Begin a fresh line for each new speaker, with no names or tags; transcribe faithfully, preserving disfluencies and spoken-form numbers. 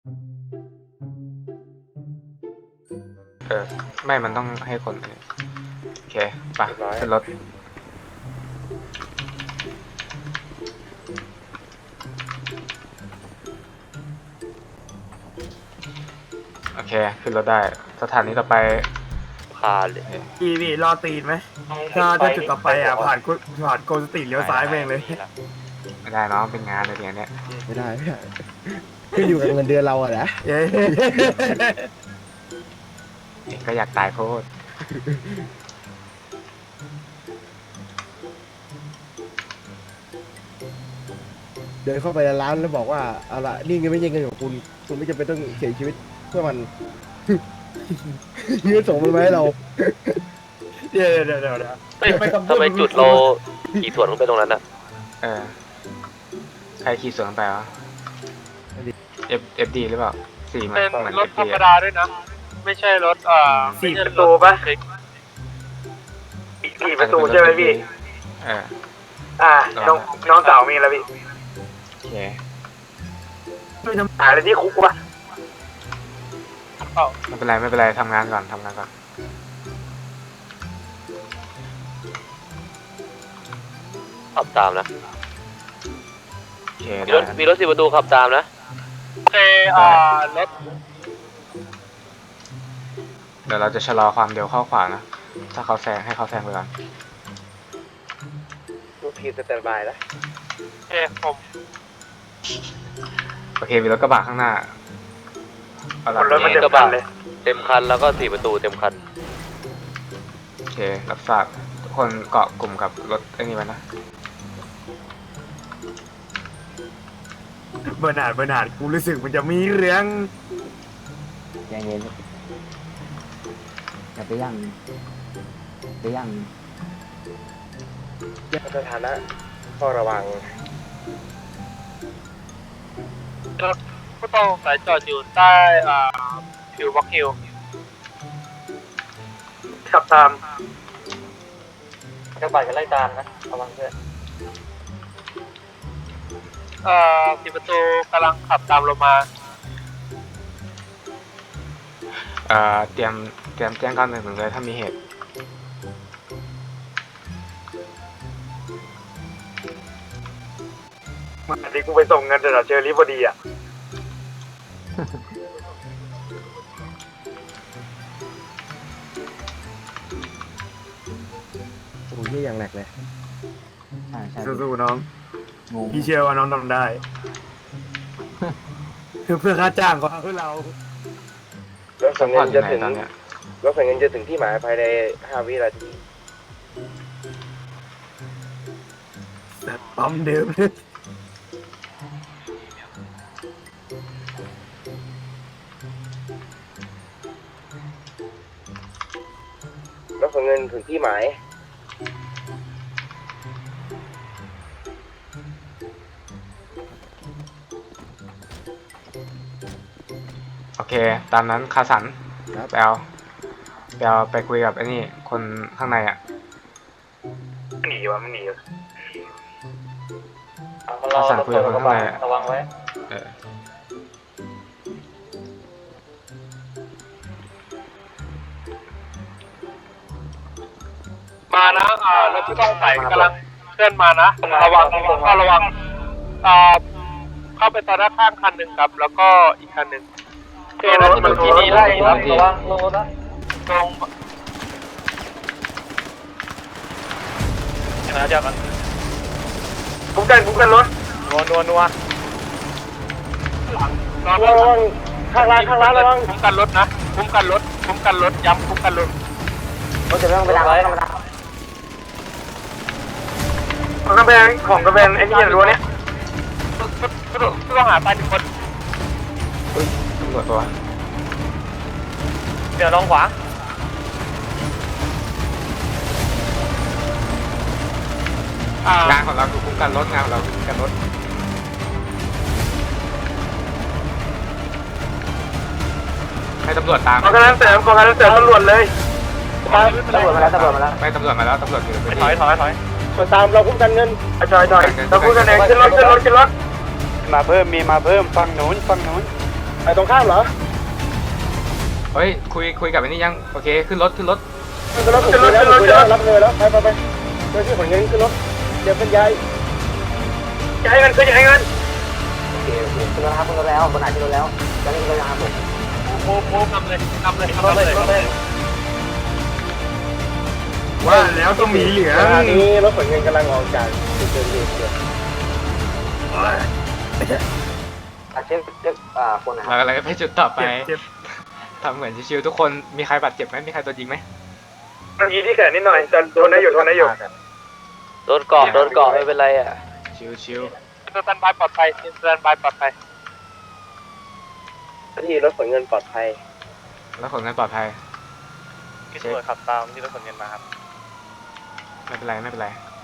เออไม่มันต้องให้คนโอเคไปขึ้นรถโอเคขึ้นรถได้สถานีต่อไป
พาเลย
พี่พี่รอตีนไหมถ้าถ้าจุดต่อไปอ่ะผ่านกุผ่านโกลสตรีทเลี้ยวซ้ายแม่งเลย
ไม่ได้เนาะเป็นงานอะไรอย่างเนี้ย
ไม่ได้ไม่ได้ขึ้นอยู่กับเงินเดือนเราอะนะ
เย้
เองก็อยากตายโคตร
เดินเข้าไปในร้านแล้วบอกว่าเอาละนี่เงินไม่ใช่เงินของคุณคุณไม่จำเป็นต้องเสียชีวิตเพื่อมัน เงินส่งมันมาให้เรา
เดี๋ยวเดี๋ยวเดี๋ยวเดี๋ยว
เฮ้ยทำไมจุดเราขี่สวนลงไปตรงนั้นอ่ะ
เออใครขี่สวนไปวะ เอฟเอฟดีหรือเปล่าสี่มัน
เป็น
เหมือน
ร
เอ
ถ
ฟ
ธร
ดี
รมดาด้วยนะ ไม่ใช่รถเอ่อ
สี่ประตูปะสี่ประตูใช่ไหมพี่
เออ
อ่าน้องน้องสาวมีแล้วพี่
โอเค
ไม่ทำหาอะไรที่คุกวะ
ไม่เป็นไรไม่เป็นไรทำงานก่อนทำงานก่อน
ขับตามนะ
โอเค
มีรถมีรถสี่ประตูขับตามนะ
โอเคเอ่อรถ
เดี๋ยวเราจะชะลอความเร็วเข้าขวานะถ้าเขาแซงให้เขาแซงไปก่อน
ลูกพีสแตนบายแล้ว
โอเคผม
โอเคมีรถกระบะข้างหน้าเอาละ
รถมันเต็มคันเลย
เต็มคันแล้วก็สี่ประตูเต็มคัน
โอเครับทราบทุกคนเกาะกลุ่มกับรถไอ้นี่ไว้นะ
เบอร์นาร์ดเบอร์นาร์ดกูรู้สึกมันจะมีเรื่อง
ใจเย็นอย่าไปยั่งไปยั่ง
สถานะก็ระวัง
รถผู้ต้องสงสัยจอดอยู่ใต้เอ่อผิววอล์กฮิล
ขับตาม
กระบะกันไล่ตามนะระวังด้วย
เอ่อสี่ประตูกำลังขับตามลงมา
เอ่อเตรียมเตรียมแจ้งก้อนหนึ่งหนึ่งเลยถ้ามีเหตุ
มันนี้กูไปส่งเงินจากเชอรี่พอดีอ่ะ
โอ้ยอย่างแหลกเลย
ใช่ใช่
สู้ๆน้อง
งง
พี่เชื่อว่าน้องทำได้ เพื่อค่าจ้างของเพื่อเรา
รถสังเงินจะถึงตอนเนี้ย
รถสัญญาณจะถึงที่หมายภายในห้าวินาที
ปั๊มเดิม
รถสัญญาณถึงที่หมาย
โอเคตามนั้นคาสัน
ครับ
ไปเอาไปเอาไปคุยกับไอ้นี่คนข้างในอ่ะ
หนีวะมันหนี
คาสันคุยกับคนข้างในอะ
ระวังไว้
เออ
มานะเอ่อรถผู้ต้องสงสัยกำลังเคลื่อนมานะระวังก็ระวังเอ่อเข้าไปตอนด้านข้างคันหนึ่งครับ แล้วก็อีกคันหนึ่งโอเคนะถนนที่นี่ไล่ครับ
ระวังโลนะ
ตรงนะจ๊ะ
คุ้มกันคุ้มกันรถ
นัวนัวนัวระ
ระวังข้างล่างข้างล่างระวัง
คุ้มกันรถนะคุ้มกันรถคุ้มกันรถย้ำคุ้มกันรถ
เราจะไม่ต้องไปล้างไว้ธรรมดา
ของกระแบงของกระแบงไอ้นี่รั้วเนี้ย
ผู้ต้องหาตายหนึ่งคน
ตำรวจตัว
เดี๋ยวลองขวา
งานของเราคือคุ้มกันรถงานของเราคือคุ้มกันรถให้ตำรวจตาม
ของกระแบงเสริมของกระแบงเสริมตำรวจเลย
ตำรวจมาแล้วตำรวจมาแล้ว
ไม่ตำรวจมาแล้วตำรวจอยู่ในพื้น
ถอย
ที่
ถอยถอย
มาตามเราคุ้มกันเงิน
ถอยถอยเราคุ้มกันเองขึ้นรถขึ้นรถขึ้นรถ
มาเพิ่มมีมาเพิ่มฟังหนุนฟังหนุนไปตรงข้ามเหรอ
เฮ้ยคุยคุยกับไอ้นี่ยังโอเคขึ้นรถขึ้นรถ
ขึ้นรถขึ้นรถขึ้นรถขึ้นรถรับเงินแล้วไปไปไปเจ้าที่ขนเงินขึ้นรถเดี๋ยวเป็นยาย
ย้ายเงินคือย้ายเงิน
โอเคโอเคขึ้นรถครับขึ้นรถแล้วบนไหนขึ้นรถแล้วจะเล่นระยะผม
โมโมทำเลยทำเลยทำเลยทำเลย
ว่าแล้วต้องมีเหลือ
ขณะนี้รถขนเงินกำลังออกจากจุดเกิดเหตุอยู่
อาเช็คเช็คอ่าคนไหน
เราอะไรไปจุดต่อไป
เจ็บเจ็บ
ทำเหมือนชิวๆทุกคนมีใครบาดเจ็บไหมมีใครโดนยิงไหม
มันยีที่แขนนิดหน่อยแต่โดนได้อยู่โดนได้อยู่
โดนเกาะโดนเกาะไม่เป็นไรอ่ะ
ชิว
สแตนบายปลอดภัยสแตนบายปลอดภัย
ที่รถขนเงินปลอดภัย
ๆแล้วผลงานปลอดภัย
พี่ตำรวจขับตามที่รถขนเงินมาครับ
ไม่เป็นไรไม่เป็นไร